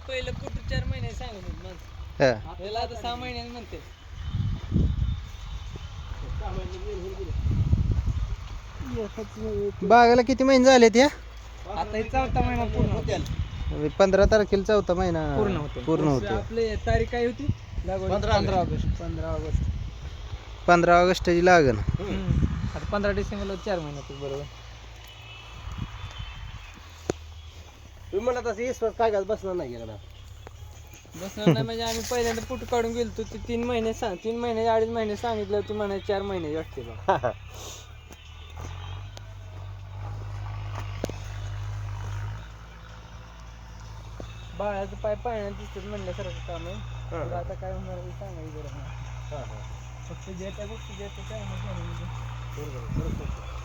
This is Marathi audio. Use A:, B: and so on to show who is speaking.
A: पहिलं कुठं 4 महिने सांगत होत मग
B: हा.
A: त्याला आता 6 महिन्याने म्हणते.
B: बागाला किती महिने झाले त्या
A: आता 4था महिना पूर्ण होते.
B: 15 तारखेला 4था महिना पूर्ण होतो.
A: आपले तारीख काय होती? 15 ऑगस्ट. 15 ऑगस्ट.
B: 15 ऑगस्टची लागण.
A: आता 15 डिसेंबरला 4 महिन्यात बरोबर.
C: तुम्ही म्हणला तसं विश्वास कागद बसणार नाही गेला ना.
A: बसणार नाही म्हणजे आम्ही पहिल्यांदा फुट काढून गेलतो ती 3 महिने 3 महिने 2.5 महिने सांगितलं होती म्हणा 4 महिने वाटते बा. बाळाचं पाय पाळण्यात दिसतात म्हणल्यासारखं काम आहे. तर आता काय होणार ते सांगायचं गरज नाही. फक्त जे त्या गोष्टी जे त्या